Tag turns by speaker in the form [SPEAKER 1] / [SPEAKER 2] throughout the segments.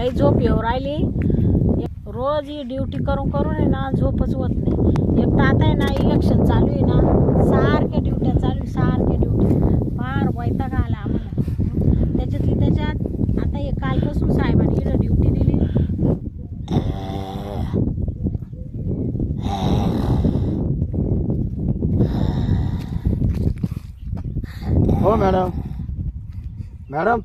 [SPEAKER 1] लई झोप येऊ राहिली. रोज ही ड्युटी करून करून आहे ना झोपच होत नाही. एक तर आता आहे ना इलेक्शन चालू आहे ना, सारख्या ड्युट्या चालू सारख्या ड्युटी फार वैताग आला आम्हाला. त्याच्यातली त्याच्यात आता हे कालपासून साहेबांनी इकडं ड्युटी दिली.
[SPEAKER 2] हो मॅडम, मॅडम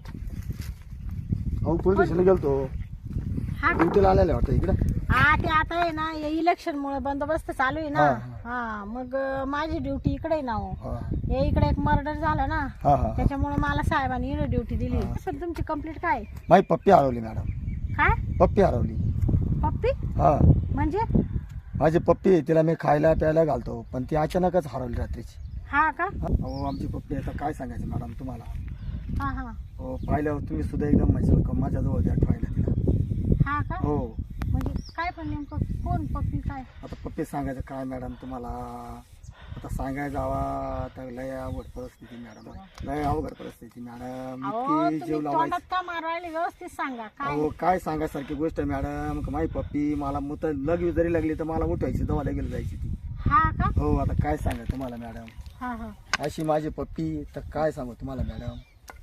[SPEAKER 2] अहो पोलीस स्टेशनला गेलतो.
[SPEAKER 1] हा
[SPEAKER 2] ड्युटीला आलेले वाटतं इकडे.
[SPEAKER 1] हा ते आता आहे ना हे इलेक्शन मुळे बंदोबस्त चालू आहे ना. हा मग माझी ड्युटी इकडे आहे ना. हो हे इकडे एक मर्डर झाला ना, त्याच्यामुळे मला साहेबांनी इकडे ड्युटी दिली. सर तुमची कंप्लीट काय?
[SPEAKER 2] माझी पप्पी हरवली मॅडम.
[SPEAKER 1] काय
[SPEAKER 2] पप्पी हरवली?
[SPEAKER 1] पप्पी
[SPEAKER 2] हा
[SPEAKER 1] म्हणजे?
[SPEAKER 2] माझी पप्पी तिला मी खायला प्यायला घालतो, पण ती अचानकच हरवली रात्रीची.
[SPEAKER 1] हा का?
[SPEAKER 2] हो आमची पप्पी आता काय सांगायचं मॅडम तुम्हाला.
[SPEAKER 1] हा हा
[SPEAKER 2] हो पाहिल्यावर तुम्ही सुद्धा एकदम म्हणजे माझ्याजवळ द्या ठेवायला तिला.
[SPEAKER 1] हा का?
[SPEAKER 2] हो
[SPEAKER 1] म्हणजे काय पण नेमकं कोण पप्पी काय?
[SPEAKER 2] आता पप्पी सांगायचं काय मॅडम तुम्हाला. आता सांगायला जावा तर लय अवघड परिस्थिती मॅडम, लय अवघड परिस्थिती मॅडम. इतकी जीव लावायची.
[SPEAKER 1] तोंडात का मारवायला व्यवस्थित सांगा काय.
[SPEAKER 2] हो काय सांगायसारखी गोष्ट आहे मॅडम. माझी पप्पी मला मुत लग जरी लागली तर मला उठवायची, दवाला गेली जायची ती.
[SPEAKER 1] हा का?
[SPEAKER 2] हो आता काय सांगा तुम्हाला मॅडम.
[SPEAKER 1] हा हा
[SPEAKER 2] अशी माझी पप्पी तर काय सांगू तुम्हाला मॅडम.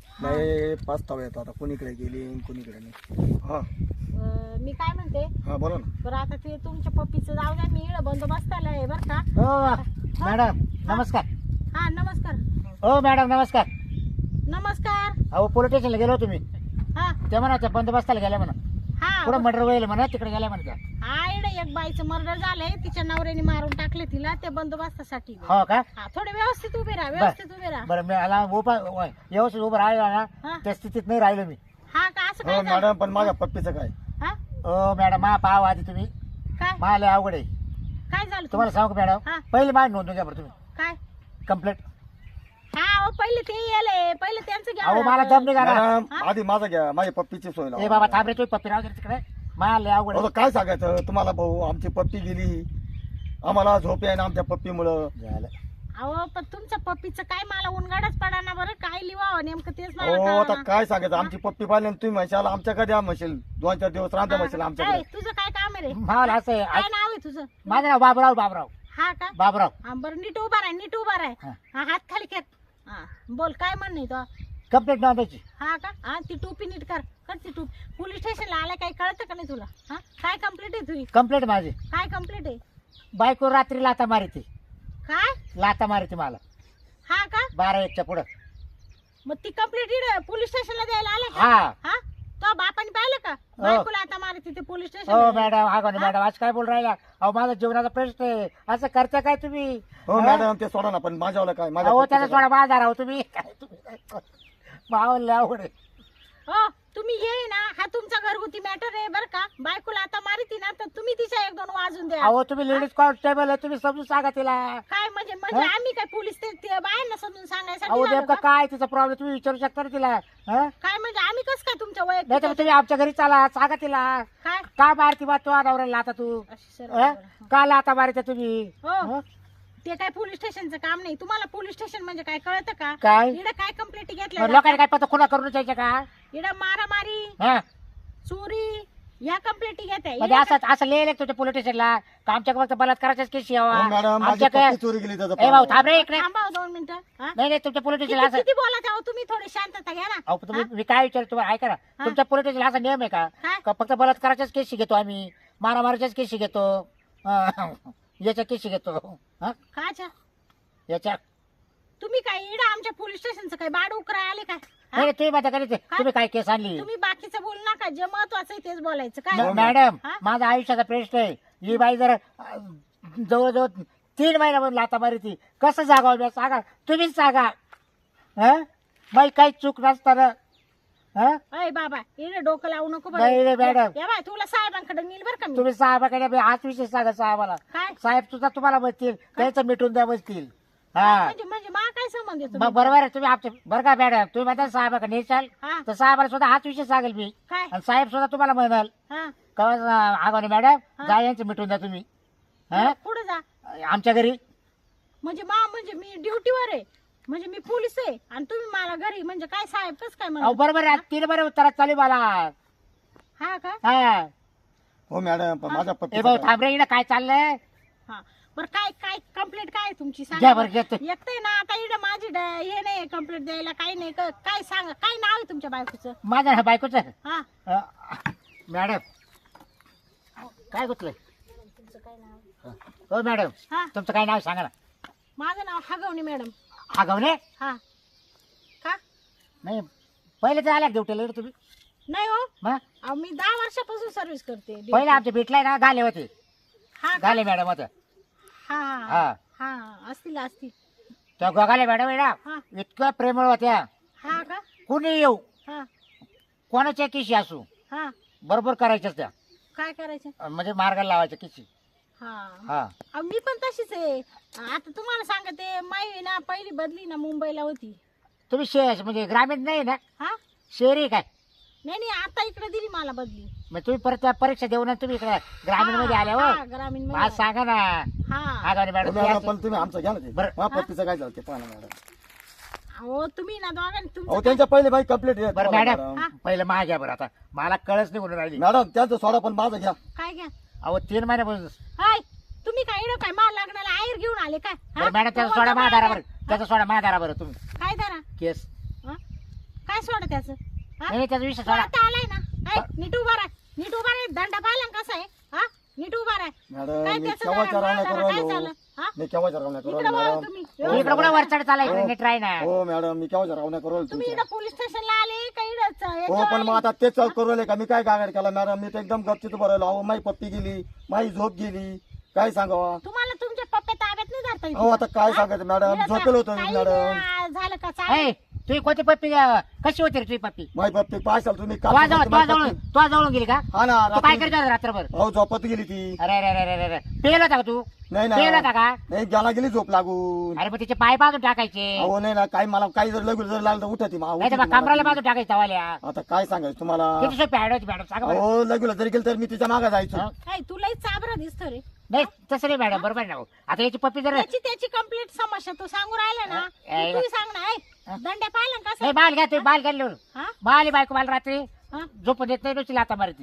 [SPEAKER 2] लय पस्तावा येतो आता, कोणीकडे गेली कोणीकडे नाही. हा
[SPEAKER 1] मी काय म्हणते,
[SPEAKER 2] हा बोला ना.
[SPEAKER 1] बरं आता ते तुमच्या पप्पीचं जाऊ द्या, मी इकडं बंदोबस्ताला आहे बरं का.
[SPEAKER 3] हो मॅडम नमस्कार.
[SPEAKER 1] हा नमस्कार.
[SPEAKER 3] हो मॅडम नमस्कार.
[SPEAKER 1] नमस्कार.
[SPEAKER 3] अहो पोलीस स्टेशनला गेलो तुम्ही,
[SPEAKER 1] हा
[SPEAKER 3] ते म्हणा त्या बंदोबस्ताला गेल्या म्हणा,
[SPEAKER 1] हा
[SPEAKER 3] पुढे मर्डर होईल म्हणा, तिकडे गेल्या म्हणा.
[SPEAKER 1] हा इकडे एक बाईचं मर्डर झालंय, तिच्या नवऱ्याने मारून टाकले तिला, ते बंदोबस्तासाठी.
[SPEAKER 3] हो का?
[SPEAKER 1] हा थोडे व्यवस्थित उभे राहा, व्यवस्थित उभे राहा.
[SPEAKER 3] बरं मी आला व्यवस्थित उभं राहिलो ना,
[SPEAKER 1] हा.
[SPEAKER 3] त्या स्थितीत नाही राहिलो मी.
[SPEAKER 1] हा का? असं
[SPEAKER 2] हो
[SPEAKER 1] काय झालं?
[SPEAKER 2] मॅडम पण माझ्या पप्पीचं काय.
[SPEAKER 1] हा
[SPEAKER 3] हो मॅडम मा पाव आधी तुम्ही,
[SPEAKER 1] काय
[SPEAKER 3] मला अवघड आहे.
[SPEAKER 1] काय झालं
[SPEAKER 3] तुम्हाला सांगू का
[SPEAKER 1] हा.
[SPEAKER 3] मॅडम, पहिले माझी नोंदून घ्या बरं तुम्ही
[SPEAKER 1] काय?
[SPEAKER 3] कंप्लेंट.
[SPEAKER 1] हा अहो, पहिले ते येले, पहिले त्यांचं घ्या.
[SPEAKER 3] अहो मला दम निघाला.
[SPEAKER 2] मॅडम आधी माझा घ्या, माझी पप्पीची सोय
[SPEAKER 3] ए
[SPEAKER 2] लावा.
[SPEAKER 3] बाबा थांब रे, तुम्ही पप्पी राहू दे तिकडे, मला अवघड
[SPEAKER 2] अहो,
[SPEAKER 3] आहे.
[SPEAKER 2] काय सांगायचं तुम्हाला भाऊ. आमची पप्पी गेली, आम्हाला झोप आहे ना आमच्या पप्पीमुळं.
[SPEAKER 3] झालं.
[SPEAKER 1] अहो पण तुमच्या पप्पीचं काय मला उनगाडच पडा ना बरं, काय लिवावं नेमकं तेच मला
[SPEAKER 2] हो आता
[SPEAKER 1] कळेना.
[SPEAKER 2] काय सांगायचं. आमची पप्पी पाहिली आणि तुम्ही म्हणशाल आमच्याकडे द्या म्हणशील, 2-4 दिवस राहता म्हणशील
[SPEAKER 1] ए,
[SPEAKER 2] आमच्याकडे.
[SPEAKER 1] तुझं काय काम आहे रे?
[SPEAKER 3] मला असं आहे,
[SPEAKER 1] काय नाव आहे तुझं?
[SPEAKER 3] माझं नाव बाबराव. बाबराव
[SPEAKER 1] हा का?
[SPEAKER 3] बाबराव.
[SPEAKER 1] हा बरं नीट उभा राह, नीट उभा राह.
[SPEAKER 3] हा.
[SPEAKER 1] हा हात खाली कर. हा बोल काय म्हणणे तो.
[SPEAKER 3] कंप्लेंट नोंदायची.
[SPEAKER 1] हा का? हा ती टोपी नीट कर, कर ती टोपी. पोलीस स्टेशनला आल्या काही कळतं का नाही तुला? हा काय कंप्लेंट आहे तुझी?
[SPEAKER 3] कंप्लेंट माझी,
[SPEAKER 1] काय कंप्लेंट आहे?
[SPEAKER 3] बायको रात्री लाता मारिती.
[SPEAKER 1] काय?
[SPEAKER 3] लाता मारिती मला
[SPEAKER 1] हा का?
[SPEAKER 3] 12-1च्या पुढं.
[SPEAKER 1] मग ती कंप्लेंट पोलीस स्टेशनला द्यायला आले का?
[SPEAKER 3] हा
[SPEAKER 1] हा तो बापाने पाहिलं का? बायकोला आता मारते ते पोलीस
[SPEAKER 3] हो
[SPEAKER 1] स्टेशन.
[SPEAKER 3] मॅडम. हा कोणी मॅडम आज काय बोल राहिला? अहो माझा जीवनाचा प्रश्न आहे, असं करता काय तुम्ही?
[SPEAKER 2] हो मॅडम ते सोडा ना, पण माझ्यावाला काय. माझ्या
[SPEAKER 3] अहो
[SPEAKER 2] पप्पीचं
[SPEAKER 3] त्याचा
[SPEAKER 2] काय?
[SPEAKER 3] थोडा बाजार आहो तुम्ही काय तुम्ही मावले अवघड आहे.
[SPEAKER 1] हो तुम्ही ये ना, हा तुमचा घरगुती मॅटर आहे बरं का. बायकोला आता मारती ना तर तुम्ही तिच्या 1-2 वाजून द्या.
[SPEAKER 3] अहो तुम्ही लेडीज कॉन्स्टेबल आहे, तुम्ही समजून सांगा तिला.
[SPEAKER 1] काय म्हणजे म्हणजे आम्ही काय पोलीस ते बायांना समजून सांगायसाठी
[SPEAKER 3] अहो
[SPEAKER 1] झालो
[SPEAKER 3] नेमकं
[SPEAKER 1] का?
[SPEAKER 3] काय तिचा प्रॉब्लेम तुम्ही विचारू शकता ना तिला. हं?
[SPEAKER 1] काय म्हणजे आम्ही कसं काय तुमच्या
[SPEAKER 3] नाही तर
[SPEAKER 1] वैयक्तिक
[SPEAKER 3] तुम्ही आमच्या घरी चाला, सांगा तिला.
[SPEAKER 1] काय
[SPEAKER 3] का मारती बा तो नवऱ्याला आता तू?
[SPEAKER 1] अशी सरळ
[SPEAKER 3] हं?
[SPEAKER 1] बरं.
[SPEAKER 3] का लाता मारते तुम्ही?
[SPEAKER 1] हो
[SPEAKER 3] हं?
[SPEAKER 1] ते काय पोलीस स्टेशनचं काम नाही. तुम्हाला पोलीस स्टेशन म्हणजे काय कळतं का?
[SPEAKER 3] काय
[SPEAKER 1] इकडे काय कंप्लेंट
[SPEAKER 3] मग
[SPEAKER 1] घेतल्या
[SPEAKER 3] लोकांनी काय पत्र खुना करून द्यायच्या का?
[SPEAKER 1] इकडे मारामारी,
[SPEAKER 3] हं?
[SPEAKER 1] चोरी या कंप्लेंटी घेते.
[SPEAKER 3] म्हणजे असं लिहिलं तुझ्या पोलीस स्टेशनला का आमच्या फक्त बलात्काराच्याच केस यावा
[SPEAKER 2] हो मॅडम माझी
[SPEAKER 3] आमच्या
[SPEAKER 2] पप्पी चोरी गेली त्याचा
[SPEAKER 3] ए भाऊ थांब रे इकडे.
[SPEAKER 1] थांबा 2 मिनिटं. हा?
[SPEAKER 3] नाही नाही तुमच्या पोलीस
[SPEAKER 1] किती
[SPEAKER 3] स्टेशनला असं
[SPEAKER 1] किती बोला तेव्हा तुम्ही थोडी शांतता घ्या ना.
[SPEAKER 3] अहो तुम्ही मी काय विचारतो तुम्हाला ऐका ना, तुमच्या पोलीस स्टेशनला असा नियम आहे का
[SPEAKER 1] काय?
[SPEAKER 3] का फक्त बलात्काराच्याच केसी घेतो आम्ही, मारामारीच्याच केसी घेतो, याच्या केसी घेतो. हं?
[SPEAKER 1] काच्या
[SPEAKER 3] याच्या
[SPEAKER 1] तुम्ही काय इकडे आमच्या पोलीस स्टेशनचं काय बाड उकराय आले काय? हा?
[SPEAKER 3] नाही तुम्ही माझ्या घरी तुम्ही काय केस आणली?
[SPEAKER 1] तुम्ही बाकीचं बोलू नका, जे महत्वाचं आहे तेच बोलायचं काय.
[SPEAKER 3] मॅडम
[SPEAKER 1] हा?
[SPEAKER 3] माझा आयुष्याचा प्रश्न आहे. ही बाई जर जवळजवळ 3 महिन्यामध्ये लाता मारी ती कसं जागावं मी सांगा, तुम्हीच सांगा. हं? बाई काही चूक नसताना. हं?
[SPEAKER 1] अय बाबा इकडे डोकं लावू नको बरं.
[SPEAKER 3] नाही रे मॅडम.
[SPEAKER 1] या बाय तुला साहेबांकडे नेल बरं का मी.
[SPEAKER 3] तुम्ही साहेबाकडे हाच विषय सांगा साहेबाला.
[SPEAKER 1] काय
[SPEAKER 3] साहेब सुद्धा तुम्हाला बसतील, त्यांचं मिटून द्या बसतील. हा
[SPEAKER 1] म्हणजे म्हणजे मा काय संबंध आहे
[SPEAKER 3] मग
[SPEAKER 1] तुम्ही?
[SPEAKER 3] बरोबर आहे तुम्ही आमच्या बरं का मॅडम, तुम्ही म्हणता साहेबाकडे नेसाल
[SPEAKER 1] हा
[SPEAKER 3] तर साहेबाला सुद्धा हाच विषय सांगेल मी,
[SPEAKER 1] काय
[SPEAKER 3] आणि साहेब सुद्धा तुम्हाला म्हणाल
[SPEAKER 1] हा
[SPEAKER 3] का आगाने मॅडम
[SPEAKER 1] हा.
[SPEAKER 3] जा यांचं मिटून द्या तुम्ही. हं?
[SPEAKER 1] पुढे जा.
[SPEAKER 3] आमच्या घरी
[SPEAKER 1] म्हणजे म्हणजे मी ड्युटीवर आहे, म्हणजे मी पोलीस आहे आणि तुम्ही मला घरी म्हणजे काय साहेब कस काय
[SPEAKER 3] अहो
[SPEAKER 1] म्हणा.
[SPEAKER 3] बरोबर आहे, 3 बरे उत्तरात चालू मला.
[SPEAKER 1] हा का?
[SPEAKER 3] हा
[SPEAKER 2] हो मॅडम पण माझ्या
[SPEAKER 3] ए भाऊ
[SPEAKER 2] पप्पी
[SPEAKER 3] थांब रे, इकडं काय चाललंय?
[SPEAKER 1] हा बरं, काय काय कंप्लेंट काय आहे तुमची
[SPEAKER 3] घ्या
[SPEAKER 1] सांगा
[SPEAKER 3] बरं घेतो.
[SPEAKER 1] एकटे ना आता इकडे माझी हे नाही कंप्लेंट द्यायला, काही नाही काय सांगा, काय नाव आहे तुमच्या बायकोचं?
[SPEAKER 3] माझ्या बायकोच
[SPEAKER 1] हा
[SPEAKER 3] मॅडम काय गुतलंय?
[SPEAKER 1] तुमचं काय नाव?
[SPEAKER 3] हो मॅडम
[SPEAKER 1] हा
[SPEAKER 3] तुमचं काय नाव सांगा ना.
[SPEAKER 1] माझं नाव हगवणी मॅडम.
[SPEAKER 3] आगवणे?
[SPEAKER 1] हा का?
[SPEAKER 3] नाही पहिले तर आल्या ड्युटीला तुम्ही
[SPEAKER 1] नाही हो,
[SPEAKER 3] मग
[SPEAKER 1] अहो, मी 10 वर्षापासून सर्व्हिस करते.
[SPEAKER 3] पहिले आमच्या भेटलाय ना गाले होते,
[SPEAKER 1] हा का?
[SPEAKER 3] गाले मॅडम होत्या.
[SPEAKER 1] हा
[SPEAKER 3] हा
[SPEAKER 1] हा असतील.
[SPEAKER 3] त्या गोगाले मॅडम आहे ना
[SPEAKER 1] हा
[SPEAKER 3] इतक्या प्रेमळ होत्या.
[SPEAKER 1] हा का?
[SPEAKER 3] कुणी येऊ
[SPEAKER 1] हा
[SPEAKER 3] कोणाच्या किशी असू
[SPEAKER 1] हा
[SPEAKER 3] बरोबर करायच्याच त्या,
[SPEAKER 1] काय करायचं?
[SPEAKER 3] म्हणजे मार्गाला लावायच्या किशी.
[SPEAKER 1] हा
[SPEAKER 3] हा
[SPEAKER 1] अहो, मी पण तशीच आहे. आता तुम्हाला सांगते, माई ना पहिली बदली ना मुंबईला होती.
[SPEAKER 3] तुम्ही म्हणजे ग्रामीण नाही ना,
[SPEAKER 1] हा
[SPEAKER 3] शहरी काय?
[SPEAKER 1] नाही आता इकडे दिली मला बदली.
[SPEAKER 3] मग तुम्ही परत त्या परीक्षा देऊन तुम्ही इकडे ग्रामीण मध्ये आल्या हो.
[SPEAKER 1] ग्रामीण
[SPEAKER 3] आज सांगा ना
[SPEAKER 1] हा
[SPEAKER 3] आगावणे मॅडम
[SPEAKER 2] मॅडम पण तुम्ही आमचं घ्या ना ते.
[SPEAKER 3] बरं.
[SPEAKER 2] माझ्या पप्पीचं काय झालं ते पाहा ना मॅडम.
[SPEAKER 1] हो तुम्ही ना दोघांनी
[SPEAKER 2] अहो
[SPEAKER 1] तुमचं
[SPEAKER 2] त्यांच्या पहिले बाई कंप्लीट
[SPEAKER 3] बरं मॅडम पहिलं माझ्या घ्या बरं, आता मला कळच नाही म्हणून राहिली.
[SPEAKER 2] मॅडम त्यांचं सोडा पण माझं घ्या.
[SPEAKER 1] काय घ्या?
[SPEAKER 3] अहो 3 महिन्यापासून.
[SPEAKER 1] हाय तुम्ही काय इकडं काय माल लागण्याला आयर घेऊन आले काय? हा?
[SPEAKER 3] बरं मॅडम त्याचा सोडा महादारा बरं, त्याचा सोडा महादारा बरं तुम्ही
[SPEAKER 1] काय धरा?
[SPEAKER 3] केस.
[SPEAKER 1] हा? काय सोडा त्याचं? हा?
[SPEAKER 3] नाही त्याचा विषय
[SPEAKER 1] तो
[SPEAKER 3] सोडा.
[SPEAKER 1] आता आलाय ना. हाय, नीट उभा राहा, नीट उभा राहा. दंडा पाहिला ना कसा आहे? हा नीट उभा राहा.
[SPEAKER 2] मॅडम
[SPEAKER 1] काय
[SPEAKER 2] मी
[SPEAKER 1] त्याचं
[SPEAKER 2] केव्हाच्या
[SPEAKER 1] जरा
[SPEAKER 2] रावण्या
[SPEAKER 1] माल
[SPEAKER 2] करू
[SPEAKER 1] काय झालं?
[SPEAKER 2] राहिलो.
[SPEAKER 1] हा?
[SPEAKER 2] मी केव्हाच्या रावण्या करू
[SPEAKER 1] इकडं
[SPEAKER 2] राहिलो
[SPEAKER 1] बघा
[SPEAKER 2] मॅडम.
[SPEAKER 1] तुम्ही.
[SPEAKER 3] इकडे कुठं वरचढ चालायचं नीट राही ना.
[SPEAKER 2] हो मॅडम मी केव्हाच्या रावण्या करू राहिलो
[SPEAKER 1] तुम्ही
[SPEAKER 2] तुमच्या.
[SPEAKER 1] इकडं पोलीस स्टेशनला आले का इकडं
[SPEAKER 2] हो पण मग आता तेच करू राहिले का? मी काय गागाड केला मॅडम? मी तर एकदम गपचित भरलो. अहो माझी पप्पी गेली, माझी झोप गेली, काय सांगावा?
[SPEAKER 1] तुम्हाला तुमच्या पप्पा ताब्यात नाही धरता येत.
[SPEAKER 2] अहो आता काय सांगायचं मॅडम?
[SPEAKER 1] इकडं
[SPEAKER 2] झोपेल होतो मी
[SPEAKER 1] काही
[SPEAKER 2] मॅडम.
[SPEAKER 1] झालं का? चालेल.
[SPEAKER 3] ए तुम्ही कोणती पप्पी कशी होती रे तुझी पप्पी?
[SPEAKER 2] माझी पप्पी पाहाल तुम्ही
[SPEAKER 3] तुझ्या जवळ
[SPEAKER 2] माझी पप्पी-
[SPEAKER 3] तुझ्या जवळून गेली का?
[SPEAKER 2] हा ना
[SPEAKER 3] तू काय
[SPEAKER 2] रात्री-
[SPEAKER 3] करत होता रात्रभर?
[SPEAKER 2] अहो झोपत गेली ती.
[SPEAKER 3] अरे अरे अरे अरे अरे पेल होता का तू?
[SPEAKER 2] नाही
[SPEAKER 3] पेल होता
[SPEAKER 2] ना
[SPEAKER 3] का?
[SPEAKER 2] नाही गेला गेली झोप लागून.
[SPEAKER 3] अरे मग तिचे पाय बाजून टाकायचे,
[SPEAKER 2] अहो नाही ना काही मला काही जर लगू जर लागलं तर उठती
[SPEAKER 3] नाही तर मग कमराला बाजून टाकायचं तवाल्या.
[SPEAKER 2] आता काय सांगायचं तुम्हाला?
[SPEAKER 3] किती सोपी ऍड होती मॅडम सांगा बरं.
[SPEAKER 2] अहो लगूला जरी गेलं तर मी तिच्या मागे जायचो.
[SPEAKER 3] हं?
[SPEAKER 1] काय तुलाही चाबरा दिसतो रे.
[SPEAKER 3] नाही तसं नाही मॅडम बरोबर ना. आता याची पप्पी जर
[SPEAKER 1] त्याची कंप्लीट समस्या तू सांगू राहिला ना.
[SPEAKER 3] ए,
[SPEAKER 1] तू सांग ना. दंड्या पाहिला ना कसं?
[SPEAKER 3] नाही बाल घ्या तुम्ही बाल घ्या
[SPEAKER 1] हा?
[SPEAKER 3] बाल बायको मला रात्री
[SPEAKER 1] हा?
[SPEAKER 3] झोपून देत नाही नुसती लाता मारती.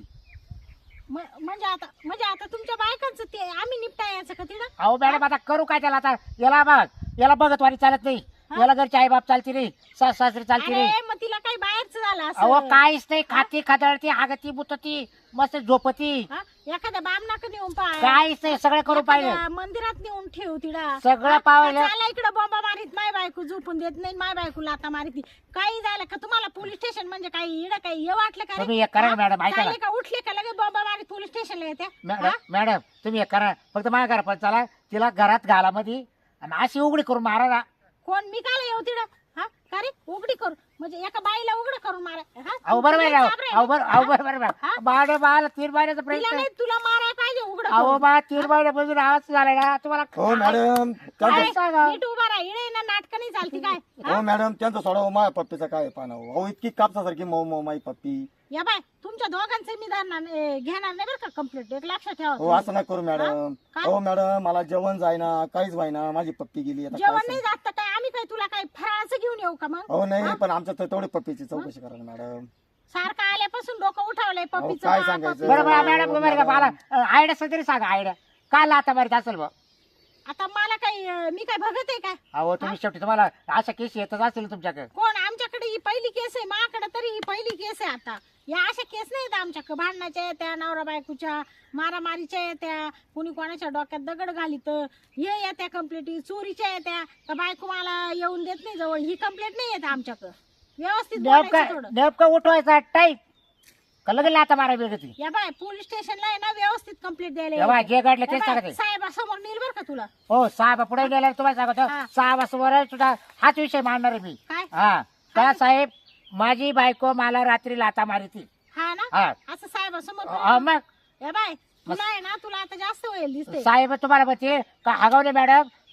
[SPEAKER 1] म्हणजे आता तुमच्या बायकांचं ते आम्ही निपटायचं का तिला?
[SPEAKER 3] अहो मॅडम आता करू काय त्याला? आता याला बघ, याला बघत वारी चालत नाही, याला घरची आई बाप चालती नाही, सासरी चालती नाही.
[SPEAKER 1] अरे मग तिला काही बाहेरचं झालं
[SPEAKER 3] अहो
[SPEAKER 1] असं?
[SPEAKER 3] काहीच नाही, खाती खादळती हागती बुतती मस्त झोपती,
[SPEAKER 1] हा? एखाद्या बामनाकडे नेऊन पाय,
[SPEAKER 3] काहीच नाही, सगळं करू पाहिजे.
[SPEAKER 1] एखाद्या मंदिरात नेऊन ठेव तिला.
[SPEAKER 3] सगळं पाहिलं.
[SPEAKER 1] चाला इकडे बॉम्बा मारीत माय बायको झोपून देत नाही, माय बायको लाता मारीत. काही झालं का तुम्हाला? पोलीस स्टेशन म्हणजे काही इडं काही हे वाटलं का रे?
[SPEAKER 3] तुम्ही एक करा ना मॅडम, ऐका ना.
[SPEAKER 1] चालले का उठले का लगेच बॉम्बा मारीत पोलीस स्टेशनला येत्या?
[SPEAKER 3] मॅडम तुम्ही एक करा, फक्त माझ्या घरा पण चला, तिला घरात घाला मध्ये आणि अशी उघडी करून मारा ना.
[SPEAKER 1] कोण मी काय येऊ तिकडं? हा का रे? उघडी करू म्हणजे एका बाईला उघड करून मारा? हा?
[SPEAKER 3] अहो बरोबर आहे,
[SPEAKER 1] तुला चाबरं आहे
[SPEAKER 3] अहो
[SPEAKER 1] ना?
[SPEAKER 3] अहो बरोबर
[SPEAKER 1] हा?
[SPEAKER 3] बाळ बाळ 3 महिन्याचा
[SPEAKER 1] तिला
[SPEAKER 3] प्रयत्न.
[SPEAKER 1] नाही, तुला मारायला पाहिजे उघड
[SPEAKER 3] अहो बा 3 महिन्यापासून आवाज झालाय ना तुम्हाला.
[SPEAKER 2] हो मॅडम त्यांचं
[SPEAKER 3] सांगा.
[SPEAKER 1] नीट उभा राहा. इडे ना नाटक नाही चालती काय? हा?
[SPEAKER 2] हो मॅडम त्यांचं सोडा. माझ्या पप्पीचं काय पाना? अहो इतकी कापसासारखी मऊ मऊ माझी पप्पी.
[SPEAKER 1] या बाय तुमच्या दोघांचे मी धरणार घेणार नाही बरं का कंप्लीट. एक लक्षात ठेवा
[SPEAKER 2] हो असं नाही करू मॅडम.
[SPEAKER 1] काय?
[SPEAKER 2] हो मॅडम मला जेवण जायना, काहीच व्हायना, माझी पप्पी गेली. आता
[SPEAKER 1] जेवण
[SPEAKER 2] काय
[SPEAKER 1] नाही
[SPEAKER 2] सांगू?
[SPEAKER 1] जात तर काय आम्ही काय तुला काय फराळाचं घेऊन येऊ का मग?
[SPEAKER 2] हो नाही पण आमच्या तर तेवढी पप्पीची चौकशी करा ना मॅडम.
[SPEAKER 1] सारखं आल्यापासून डोकं उठवलंय पप्पीचं.
[SPEAKER 2] काय
[SPEAKER 1] बा,
[SPEAKER 2] सांगायचं?
[SPEAKER 1] पप्पी.
[SPEAKER 3] बरोबर मॅडम बरोबर का? मला आयडिया असेल तरी सांगा, आयडिया काल आता मारित असेल बा.
[SPEAKER 1] आता मला काही मी काय बघत आहे काय?
[SPEAKER 3] अहो तुम्ही शेवटी तुम्हाला अशा केस येतच असतील तुमच्याकडे.
[SPEAKER 1] कोण? आमच्याकडे ही पहिली केस आहे. माझ्याकडे तरी ही पहिली केस आहे. आता या अशा केस नाही आहेत आमच्याकडे. भांडणाच्या येत्या, नवरा बायकोच्या मारामारीच्या येत्या, कुणी कोणाच्या डोक्यात दगड घालीत हे येत्या कंप्लेंट, चोरीच्या येत्या का बायको मला येऊन देत नाही जवळ, ही कंप्लेंट नाही येत आमच्याकडे. व्यवस्थित बोलायचं थोडं.
[SPEAKER 3] नेमकं उठवायचा टाईप का लगेच लाता मारा वेगळी.
[SPEAKER 1] या बाय पोलीस स्टेशनला आहे ना व्यवस्थित कंप्लेंट द्यायला
[SPEAKER 3] तेव्हा
[SPEAKER 1] यायचं.
[SPEAKER 3] जे घडलं
[SPEAKER 1] या
[SPEAKER 3] तेच
[SPEAKER 1] बाय,
[SPEAKER 3] सांगते.
[SPEAKER 1] साहेबासमोर नेईल बरं का तुला.
[SPEAKER 3] हो 6 पुढे गेल्यावर तुम्हाला सांगतो
[SPEAKER 1] हा.
[SPEAKER 3] 6 वाजता सुद्धा हाच विषय मांडणार आहे मी.
[SPEAKER 1] काय?
[SPEAKER 3] हा त्या साहेब माझी बायको मला रात्री लाता मारिती.
[SPEAKER 1] हा ना
[SPEAKER 3] हा
[SPEAKER 1] असं साहेबासमोर
[SPEAKER 3] मग
[SPEAKER 1] या बाय तुला आहे ना, तुला आता जास्त होईल दिसते.
[SPEAKER 3] साहेब तुम्हाला म्हणते का हगवले मॅडम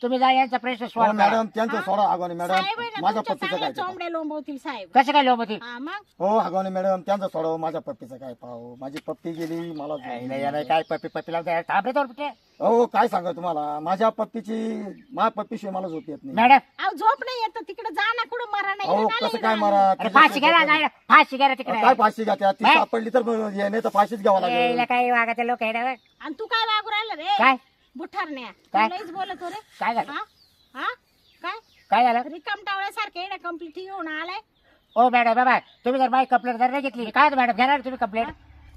[SPEAKER 3] तुम्ही जा यांचा प्रश्न
[SPEAKER 2] हो
[SPEAKER 3] सॉल्व करा.
[SPEAKER 2] मॅडम त्यांचं सोडा आगावणे
[SPEAKER 1] साहेब आहे
[SPEAKER 2] मॅडम
[SPEAKER 1] ना,
[SPEAKER 2] माझ्या
[SPEAKER 1] तुमच्या
[SPEAKER 2] पप्पीचं
[SPEAKER 1] चांगल्या
[SPEAKER 2] काय ते पाहू.
[SPEAKER 1] चोंबड्या लोंबवतील साहेब.
[SPEAKER 3] कसं काय लोक होती
[SPEAKER 1] हा मग
[SPEAKER 2] हो आगावणे मॅडम त्यांचं सोडावं माझ्या पप्पीचं काय पाहू. माझी पप्पी गेली मला
[SPEAKER 3] काय पप्पीला थांबरे तर कुठे
[SPEAKER 2] हो काय सांगा तुम्हाला माझ्या पप्पीशिवाय मला झोप येत नाही
[SPEAKER 3] मॅडम
[SPEAKER 1] अहो झोप नाही येत तिकडे जा ना कुठं मरा नाही
[SPEAKER 2] अहो
[SPEAKER 1] इकडं
[SPEAKER 2] कसं
[SPEAKER 1] आले
[SPEAKER 2] काय
[SPEAKER 1] इकडं.
[SPEAKER 2] मारा
[SPEAKER 3] अरे फाशी घ्या ना, फाशी घ्या ना तिकडे
[SPEAKER 2] काय फाशी घ्या ती
[SPEAKER 3] काय?
[SPEAKER 2] सापडली तर हे नाही तर फाशीच घ्यावं लागेल
[SPEAKER 3] यायला काही वागाचे लोक आहे ना बे.
[SPEAKER 1] आणि तू काय वागू राहिला रे
[SPEAKER 3] काय
[SPEAKER 1] बुठारण्या
[SPEAKER 3] काय?
[SPEAKER 1] लईच बोलतो रे.
[SPEAKER 3] काय झालं
[SPEAKER 1] हा हा काय
[SPEAKER 3] काय झालं
[SPEAKER 1] रिकाम टावळ्यासारखे येणं कंप्लीट येऊन आलाय.
[SPEAKER 3] ओ मॅडम बाबा तुम्ही जर माझी कंप्लेंट जर नाही घेतली काय होतं मॅडम घेणार तुम्ही कंप्लेंट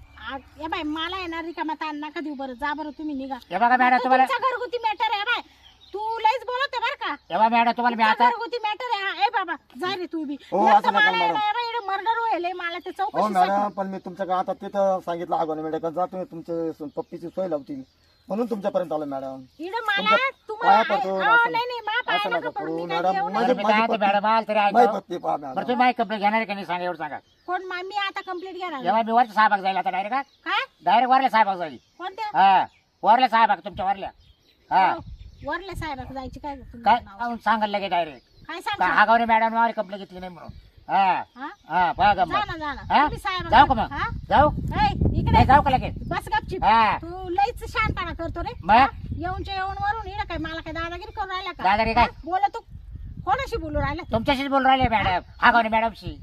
[SPEAKER 1] या बाय मला येणार रिकामा ताण नका देऊ बरं जा बरं तुम्ही निघा.
[SPEAKER 3] हे बघा मॅडम
[SPEAKER 1] तो
[SPEAKER 3] तुम्हाला
[SPEAKER 1] तुमचा घरगुती मॅटर आहे बाय तू लईच बोलत आहे बरं का.
[SPEAKER 3] हे बघा मॅडम तुम्हाला मी
[SPEAKER 1] तुमचा
[SPEAKER 3] आता
[SPEAKER 1] घरगुती मॅटर आहे हा. ए बाबा जा रे तू बी
[SPEAKER 2] हो,
[SPEAKER 1] एक तर
[SPEAKER 2] असं नका
[SPEAKER 1] मला
[SPEAKER 2] मॅडम.
[SPEAKER 1] येणं मर्डर व्हायलंय मला ते
[SPEAKER 2] हो
[SPEAKER 1] चौकशी
[SPEAKER 2] मॅडम पण मी तुमच्या आता तिथं सांगितलं आगावणे मॅडम जा तुम्ही तुमचे पप्पीची सोय लावतील म्हणून तुमच्यापर्यंत आलो मॅडम
[SPEAKER 1] इकडं मला
[SPEAKER 2] तुमच्या
[SPEAKER 1] तुम्हाला
[SPEAKER 2] पाया पडतो,
[SPEAKER 1] अहो,
[SPEAKER 2] असं
[SPEAKER 1] नाही नाही मा पाया
[SPEAKER 2] असं
[SPEAKER 1] नका
[SPEAKER 2] नका
[SPEAKER 1] पडू
[SPEAKER 2] करू,
[SPEAKER 1] मी काय
[SPEAKER 2] मॅडम.
[SPEAKER 1] जेवण
[SPEAKER 2] माझी-
[SPEAKER 3] मी काय म्हणतो मॅडम आल तरी
[SPEAKER 2] माई
[SPEAKER 3] ऐका
[SPEAKER 2] पप्पी पहा
[SPEAKER 3] बरं
[SPEAKER 2] मॅडम
[SPEAKER 3] तुम्ही माझी कंप्लेंट घेणार आहे का नाही सांगा एवढं सांगा
[SPEAKER 1] कोण मी आता कंप्लीट घेणार
[SPEAKER 3] जेव्हा मी वरच्या साहेबाक जाईल आता डायरेक्ट
[SPEAKER 1] काय
[SPEAKER 3] डायरेक्ट वरल्या साहेबाक जाईल
[SPEAKER 1] कोणत्या
[SPEAKER 3] हा वरल्या साहेबाक तुमच्या वरल्या हा
[SPEAKER 1] अहो, वरल्या साहेबाक जायची काय तुमचं
[SPEAKER 3] काय
[SPEAKER 1] नाव?
[SPEAKER 3] सांगाल लगे डायरेक्ट
[SPEAKER 1] काय सांगता
[SPEAKER 3] आगावने मॅडम माझी कंप्लेंट घेतली नाही म्हणून हा
[SPEAKER 1] हा
[SPEAKER 3] हा बघा
[SPEAKER 1] जा
[SPEAKER 3] गंमत.
[SPEAKER 1] ना जा ना
[SPEAKER 3] हा?
[SPEAKER 1] तुम्ही साहेबाक
[SPEAKER 3] जाऊ का मग
[SPEAKER 1] हा?
[SPEAKER 3] जाऊ
[SPEAKER 1] ए, इकडे
[SPEAKER 3] नाही जाऊ का लगेच
[SPEAKER 1] बस गपचिप
[SPEAKER 3] हा
[SPEAKER 1] तू लईच शांतपणा करतो रे
[SPEAKER 3] मग?
[SPEAKER 1] हा? येऊनच्या येऊन वरून इकडे काय मला काय दादागिरी करून राहिला का
[SPEAKER 3] दादागिरी काय?
[SPEAKER 1] हा? बोला तू कोणाशी बोलू राहिला
[SPEAKER 3] तुमच्याशीच बोलून राहिले मॅडम आगावने मॅडमशी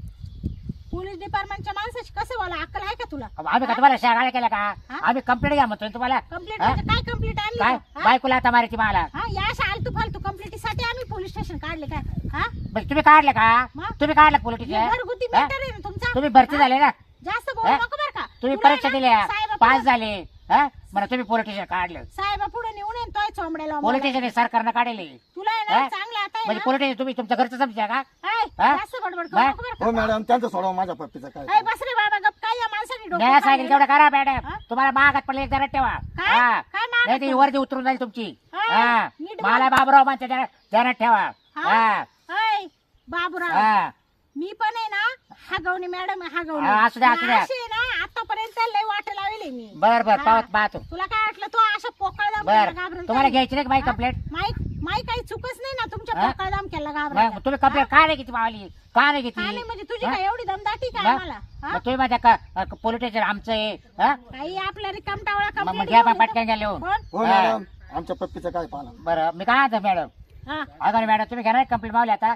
[SPEAKER 1] पोलीस डिपार्टमेंटच्या माणसाशी कसं बोला अक्कल आहे का तुला
[SPEAKER 3] आम्ही का तुम्हाला शाळा केला का
[SPEAKER 1] हा?
[SPEAKER 3] आम्ही कंप्लेंट घ्या म्हणतोय तुम्हाला
[SPEAKER 1] कंप्लीट
[SPEAKER 3] हा?
[SPEAKER 1] म्हणजे काय कंप्लीट आणली
[SPEAKER 3] काय
[SPEAKER 1] तू? हा?
[SPEAKER 3] बायकोला आता मारायची मला
[SPEAKER 1] हा या फालतू फालतू कंप्लीटीसाठी आम्ही पोलीस स्टेशन काढले काय हा
[SPEAKER 3] म्हणजे तुम्ही काढलं का
[SPEAKER 1] मग?
[SPEAKER 3] तुम्ही काढलं
[SPEAKER 1] हे
[SPEAKER 3] पोलिटिशियन
[SPEAKER 1] घरगुती मॅटर आहे ना तुमचा
[SPEAKER 3] तुम्ही भरती
[SPEAKER 1] हा?
[SPEAKER 3] झाले ना
[SPEAKER 1] जास्त बोलू
[SPEAKER 3] हा?
[SPEAKER 1] नको बरं का
[SPEAKER 3] तुम्ही
[SPEAKER 1] तुला
[SPEAKER 3] परीक्षा
[SPEAKER 1] ना
[SPEAKER 3] दिल्या
[SPEAKER 1] साहेबा
[SPEAKER 3] पास
[SPEAKER 1] पुढं-
[SPEAKER 3] झाले हा म्हणा तुम्ही पोलिटिशियन काढलं
[SPEAKER 1] साहेबा पुढे निवडून येईन तोय चोंबड्याला
[SPEAKER 3] पोलिटिशियन सरकारनं काढले
[SPEAKER 1] तुला आहे ना
[SPEAKER 3] हा?
[SPEAKER 1] चांगलं आता आहे
[SPEAKER 3] म्हणजे
[SPEAKER 1] ना
[SPEAKER 3] पोलिटिशियन तुम्ही तुमच्या घरचं समजा का
[SPEAKER 1] ऐ,
[SPEAKER 3] हा?
[SPEAKER 1] जास्त बडबड करू
[SPEAKER 3] हा?
[SPEAKER 1] नको बरं
[SPEAKER 2] हो
[SPEAKER 1] का
[SPEAKER 2] मॅडम त्यांचं सोडावं माझ्या पप्पीचं काय
[SPEAKER 1] ऐ, बस रे बाबा गप काय या माणसाने डोकं
[SPEAKER 3] नाही सांगेल
[SPEAKER 1] खाल्लं?
[SPEAKER 3] तेवढं करा मॅडम
[SPEAKER 1] हा?
[SPEAKER 3] तुम्हाला मागात पडले एक जरा ठेवा
[SPEAKER 1] काय?
[SPEAKER 3] हा
[SPEAKER 1] काय मागात
[SPEAKER 3] नाही ती
[SPEAKER 1] पडलं?
[SPEAKER 3] वर्दी उतरून जाईल तुमची
[SPEAKER 1] हा,
[SPEAKER 3] हा
[SPEAKER 1] नीट
[SPEAKER 3] मला बाबराव माणसं ध्यानात ठेवा हा
[SPEAKER 1] ऐ, बाबूराव
[SPEAKER 3] हा
[SPEAKER 1] मी पण आहे ना हागवणी मॅडम हागवणी
[SPEAKER 3] हा, असू द्या, असू द्या.
[SPEAKER 1] अशी आहे ना आतापर्यंत लय वाट लावली मी
[SPEAKER 3] बर बर
[SPEAKER 1] हा.
[SPEAKER 3] पाहत पाहतो
[SPEAKER 1] तुला काय वाटलं तू अशा पोकळ दाम
[SPEAKER 3] बर
[SPEAKER 1] घाबरून
[SPEAKER 3] तुम्हाला घ्यायची नाही का माझी
[SPEAKER 1] हा?
[SPEAKER 3] कंप्लेंट
[SPEAKER 1] माई काही चुकच नाही ना तुमच्या
[SPEAKER 3] हा?
[SPEAKER 1] पोकळ दाम केला
[SPEAKER 3] मग
[SPEAKER 1] घाबरायला
[SPEAKER 3] तुम्ही कंप्लेंट का नाही घेतली मावली का नाही घेतली
[SPEAKER 1] काय नाही म्हणजे तुझी
[SPEAKER 3] हा?
[SPEAKER 1] काय एवढी दमदाटी काय
[SPEAKER 3] मग?
[SPEAKER 1] मला
[SPEAKER 3] मग तुम्ही माझ्या का पोलिटिशियन आमचं आहे हा?
[SPEAKER 1] काही आपल्या रिकाम टावळा
[SPEAKER 3] मग
[SPEAKER 1] कंप्लीट
[SPEAKER 3] घ्या पटकन घ्या लिहून
[SPEAKER 1] कोण
[SPEAKER 2] हो
[SPEAKER 3] हा.
[SPEAKER 2] मॅडम आमच्या पप्पीचं काय पाहा
[SPEAKER 3] बरं मी काय म्हणतो मॅडम
[SPEAKER 1] हा
[SPEAKER 3] अगं मॅडम तुम्ही घेणार कंप्लेंट मावली आता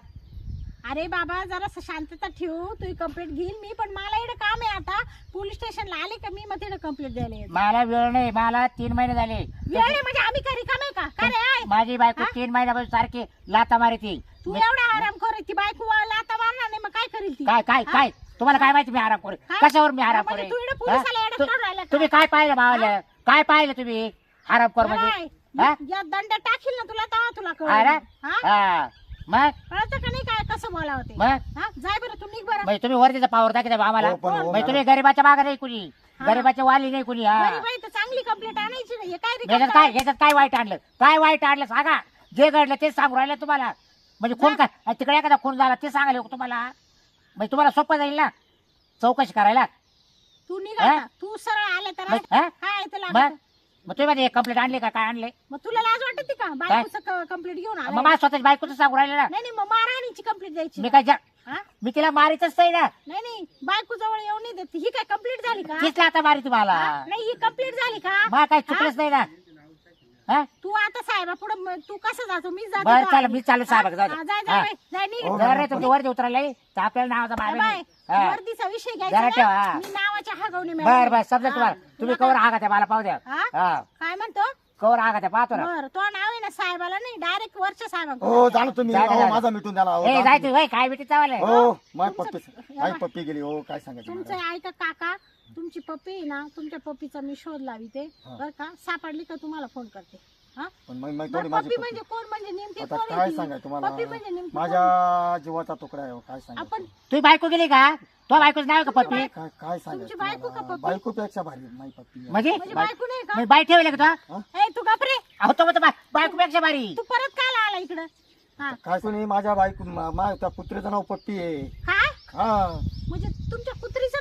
[SPEAKER 1] अरे बाबा जरा शांतता ठेवू तू कंप्लीट घेईल मी पण मला इकडे काम आहे आता पोलीस स्टेशनला आले का मी मग तिकडे कंप्लीट द्यायला येते.
[SPEAKER 3] मला वेळ नाही मला 3 महिने झाले
[SPEAKER 1] वेळ आहे म्हणजे आम्ही काही रिकाम आहे का काय रे आय?
[SPEAKER 3] माझी बायको
[SPEAKER 1] हा?
[SPEAKER 3] 3 महिन्यापासून सारखी लाता मारी ती
[SPEAKER 1] तू एवढा आराम कर ती बायको वाला आता मारणार नाही मग काय करील ती
[SPEAKER 3] काय काय
[SPEAKER 1] हा?
[SPEAKER 3] काय तुम्हाला काय माहिती मी आराम करे
[SPEAKER 1] काय?
[SPEAKER 3] कशावर मी आराम
[SPEAKER 1] म्हणजे
[SPEAKER 3] करे
[SPEAKER 1] तू इकडे पोलिसाला
[SPEAKER 3] हा?
[SPEAKER 1] येड्यात काढून राहिला का?
[SPEAKER 3] तुम्ही काय पाहिलं मावलं काय पाहिलं तुम्ही आराम कर म्हणजे
[SPEAKER 1] काय?
[SPEAKER 3] हा?
[SPEAKER 1] या दंड टाकील ना तुला तेव्हा तुला
[SPEAKER 3] अरे
[SPEAKER 1] कळलं हा
[SPEAKER 3] हा मग
[SPEAKER 1] कळतं का नाही काय कसं बोलावं ते
[SPEAKER 3] मग
[SPEAKER 1] हा जाय बरं तू निघ बरं
[SPEAKER 3] म्हणजे तुम्ही वरतीचा पावर दाखवता आम्हाला
[SPEAKER 2] हो, पण हो,
[SPEAKER 3] म्हणजे तुम्ही
[SPEAKER 2] मॅडम.
[SPEAKER 3] गरीबाच्या मागे नाही कुणी
[SPEAKER 1] हा.
[SPEAKER 3] गरीबाच्या वाली नाही कुणी हा
[SPEAKER 1] बरी बाई तर चांगली कंप्लीट आणायची नाही हे काय
[SPEAKER 3] याच्यात
[SPEAKER 1] रिकाम
[SPEAKER 3] काय याच्यात काय वाईट आणलं काय वाईट आणलं सांगा जे घडलं तेच सांगू राहिलं तुम्हाला म्हणजे कोण काय तिकडे एखादा खून झाला ते सांगायला तुम्हाला म्हणजे तुम्हाला सोपं जाईल ना चौकशी करायला
[SPEAKER 1] तू निघ
[SPEAKER 3] हा?
[SPEAKER 1] आता. तू सरळ आले तर
[SPEAKER 3] मग हा?
[SPEAKER 1] काय तुला
[SPEAKER 3] मग मग तुम्ही मध्ये कंप्लेंट आणली का काय आणले
[SPEAKER 1] मग तुला लाज वाटते का बायकोचं कंप्लीट घेऊन आला
[SPEAKER 3] मग माझ्या स्वतःच्या बायकोचं सांगू राहिले ना
[SPEAKER 1] नाही नाही मग मारहाणीची कंप्लीट द्यायची
[SPEAKER 3] मी काय
[SPEAKER 1] हा?
[SPEAKER 3] मी तिला मारीतच नाही ना
[SPEAKER 1] नाही नाही बायको जवळ येऊन नाही देत ही काय कंप्लीट झाली का
[SPEAKER 3] तीच आता मारी तुम्हाला
[SPEAKER 1] हा? नाही ही कंप्लीट झाली का
[SPEAKER 3] मला काही चुकलंच नाही ना हा
[SPEAKER 1] तू आता साहेबा पुढे तू कसं जातो मी जातो
[SPEAKER 3] बरं
[SPEAKER 1] का?
[SPEAKER 3] चाल मी चालू साहेब
[SPEAKER 1] हा, जाय जाय बाई, जाय निघ.
[SPEAKER 2] हो,
[SPEAKER 3] जर रे तुमच्या वरती उतरायला तर आपल्याला नावाचा
[SPEAKER 1] बाय,
[SPEAKER 3] बाबा
[SPEAKER 1] बाय.
[SPEAKER 3] नाही. हा.
[SPEAKER 1] वर्दीचा विषय
[SPEAKER 3] जरा
[SPEAKER 1] घ्यायचा
[SPEAKER 3] ठेवा,
[SPEAKER 1] ना.
[SPEAKER 3] हा.
[SPEAKER 1] मी नावाच्या हागवणी
[SPEAKER 3] बर बर समजा
[SPEAKER 1] हा.
[SPEAKER 3] तुम्हाला तुम्ही
[SPEAKER 1] तुला
[SPEAKER 3] कवर आगा त्या मला पाहू द्या
[SPEAKER 1] हा?
[SPEAKER 3] हा
[SPEAKER 1] काय म्हणतो
[SPEAKER 3] कवर आगा त्या पाहतो ना
[SPEAKER 1] बर तो नाव आहे ना साहेबाला नाही डायरेक्ट वरच्या साहेबांकडे
[SPEAKER 2] हो जाणं तुम्ही
[SPEAKER 3] जा, जा,
[SPEAKER 2] अहो,
[SPEAKER 3] जा.
[SPEAKER 2] माझा मिटून द्याला अहो,
[SPEAKER 3] ए
[SPEAKER 2] जा
[SPEAKER 3] जाय
[SPEAKER 2] तुम्ही.
[SPEAKER 3] तू होय, काय बेटी चावले
[SPEAKER 2] हो माझी
[SPEAKER 1] तुमचं-
[SPEAKER 2] माझी पप्पी गेली हो काय सांगायचं
[SPEAKER 1] तुमचं
[SPEAKER 2] मॅडम.
[SPEAKER 1] ऐका काका तुमची पप्पी आहे ना तुमच्या पप्पीचा मी शोध लाविते
[SPEAKER 2] हा.
[SPEAKER 1] बर का सापडली का तुम्हाला फोन करते हा
[SPEAKER 2] पण मग
[SPEAKER 1] बरं,
[SPEAKER 2] थोडी माझी
[SPEAKER 1] पप्पी
[SPEAKER 2] पप्पी
[SPEAKER 1] म्हणजे कोण म्हणजे नेमकी
[SPEAKER 2] आता
[SPEAKER 1] कोण
[SPEAKER 2] काय
[SPEAKER 1] आहे ती?
[SPEAKER 2] सांगाय तुम्हाला
[SPEAKER 1] पप्पी म्हणजे नेमकी कोण?
[SPEAKER 2] माझ्या जीवाचा तुकडा आहे हो, काय
[SPEAKER 1] आपण
[SPEAKER 2] सांगायचं
[SPEAKER 3] तुझी बायको गेली का तो बायकोच नाव का पप्पी
[SPEAKER 2] काय काय सांगायचं
[SPEAKER 1] बायको का
[SPEAKER 2] तुम्हाला?
[SPEAKER 1] पप्पी?
[SPEAKER 2] बायकोपेक्षा भारी माझी पप्पी आहे.
[SPEAKER 3] म्हणजे
[SPEAKER 1] म्हणजे बायको नाही का
[SPEAKER 3] बाई ठेवले का तो
[SPEAKER 1] ए तू गपरे
[SPEAKER 3] अहो तो म्हणतो बायको पेक्षा भारी
[SPEAKER 1] तू परत काय आला इकडं हा
[SPEAKER 2] काय कोणी माझ्या बायको त्या पुत्रीचं नाव पप्पी आहे
[SPEAKER 1] काय
[SPEAKER 2] हा
[SPEAKER 1] म्हणजे तुमच्या कुत्रीचं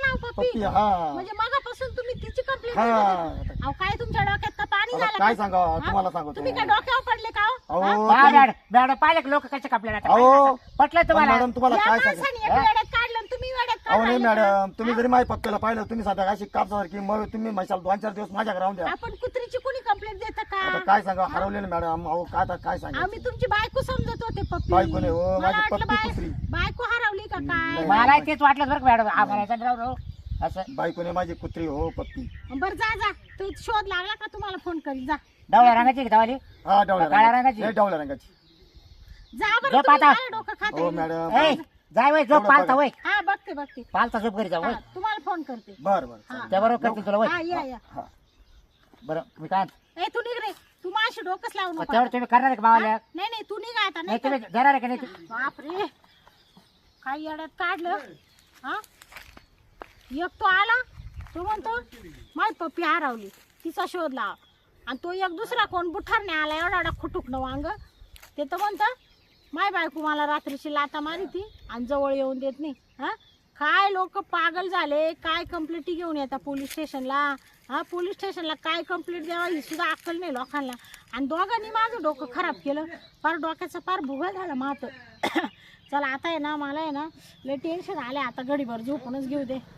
[SPEAKER 1] नाव
[SPEAKER 2] पप्पी
[SPEAKER 1] पप्पी
[SPEAKER 2] हा
[SPEAKER 1] म्हणजे मगापासून तुम्ही तिची कंप्लेंट
[SPEAKER 2] हा
[SPEAKER 1] अहो काय तुमच्या डोक्यात का पाणी
[SPEAKER 2] आता
[SPEAKER 1] झालं
[SPEAKER 2] काय
[SPEAKER 1] का?
[SPEAKER 2] सांगा
[SPEAKER 1] हा?
[SPEAKER 2] तुम्हाला सांगतो
[SPEAKER 1] तुम्ही काय डोक्यावर पडले का हो?
[SPEAKER 2] अहो
[SPEAKER 3] मॅडम मॅडम पाहिले लोक कसे कापले
[SPEAKER 2] अहो
[SPEAKER 3] पटलं तुम्हाला
[SPEAKER 2] मॅडम तुम्हाला
[SPEAKER 1] या
[SPEAKER 2] काय सांगा
[SPEAKER 1] माणसाने एक वेड्यात काढलं आणि तुम्ही वेड्यात
[SPEAKER 2] अहो नाही
[SPEAKER 1] काढलं
[SPEAKER 2] मॅडम तुम्ही जरी माझ्या पप्प्याला पाहिलं तुम्ही साध्या अशी कापसासारखी मग तुम्ही म्हशाल 2-4 दिवस माझ्याकडे राहून द्या
[SPEAKER 1] आपण कुत्रीची कोणी कंप्लेंट देतं
[SPEAKER 2] आता
[SPEAKER 1] का
[SPEAKER 2] काय सांगा हरवलेलं मॅडम अहो काय आता काय सांगा
[SPEAKER 1] आम्ही तुमची बायको समजत होते पप्पी
[SPEAKER 2] बायको नाही, हो,
[SPEAKER 1] मला
[SPEAKER 2] माझी
[SPEAKER 1] वाटलं
[SPEAKER 2] पप्पी कुत्री.
[SPEAKER 1] बायको हरवली का काय
[SPEAKER 3] मला तेच वाटलं बरं का मॅडम आम्हाला राव असं
[SPEAKER 2] बायकोने माझी कुत्री हो पप्पी
[SPEAKER 1] बरं जा जा तो शोध लागला का तुम्हाला फोन करील जा
[SPEAKER 3] डवळ्या रंगाची का धावली
[SPEAKER 2] हा डावल्या
[SPEAKER 3] काळ्या रंगाची?
[SPEAKER 2] नाही, डावल्या रंगाची
[SPEAKER 1] जा बरं
[SPEAKER 3] झोप
[SPEAKER 1] तुम्ही
[SPEAKER 3] आता.
[SPEAKER 1] मला डोकं खाते
[SPEAKER 2] हो मॅडम
[SPEAKER 3] ए जाय वय झोप
[SPEAKER 2] एवढं
[SPEAKER 3] पालता
[SPEAKER 2] बघा.
[SPEAKER 3] वय
[SPEAKER 1] हा बघते बघते
[SPEAKER 3] पालता झोप घरी जाऊ
[SPEAKER 1] हा,
[SPEAKER 3] वय
[SPEAKER 1] तुम्हाला फोन करते
[SPEAKER 2] बर बर
[SPEAKER 1] हा.
[SPEAKER 3] त्या बरोबर करते तुला
[SPEAKER 1] हा
[SPEAKER 3] वय
[SPEAKER 1] या या
[SPEAKER 2] हा
[SPEAKER 3] बरं मी काय
[SPEAKER 1] ए तू निघ रे तू माझी डोकंच लावू नको
[SPEAKER 3] तेवढं तुम्ही करणार आहे का मावाल्या
[SPEAKER 1] नाही नाही तू निघा आता
[SPEAKER 3] नाही
[SPEAKER 1] नाही
[SPEAKER 3] तुम्ही देणार आहे का नाही
[SPEAKER 1] बापरे काही येड्यात काढलं हा एक तो आला तो म्हणतो माय पप्पी हरवली तिचा शोध लावा आणि तो एक दुसरा कोण बुठारने आला एवढा एवढा खुटुक न वांग ते तर म्हणतं माय बायको मला रात्रीची लाता मारी ती आणि जवळ येऊन देत नाही हा काय लोक पागल झाले काय कंप्लेंटी घेऊन येतात पोलीस स्टेशनला हा पोलीस स्टेशनला काय कंप्लेंट द्यावा ही सुद्धा अक्कल नाही लोकांना आणि दोघांनी माझं डोकं खराब केलं फार डोक्याचं फार भुगा झाला मात चला आता आहे ना मला आहे ना लय टेन्शन आले आता गडीभर झोपूनच घेऊ दे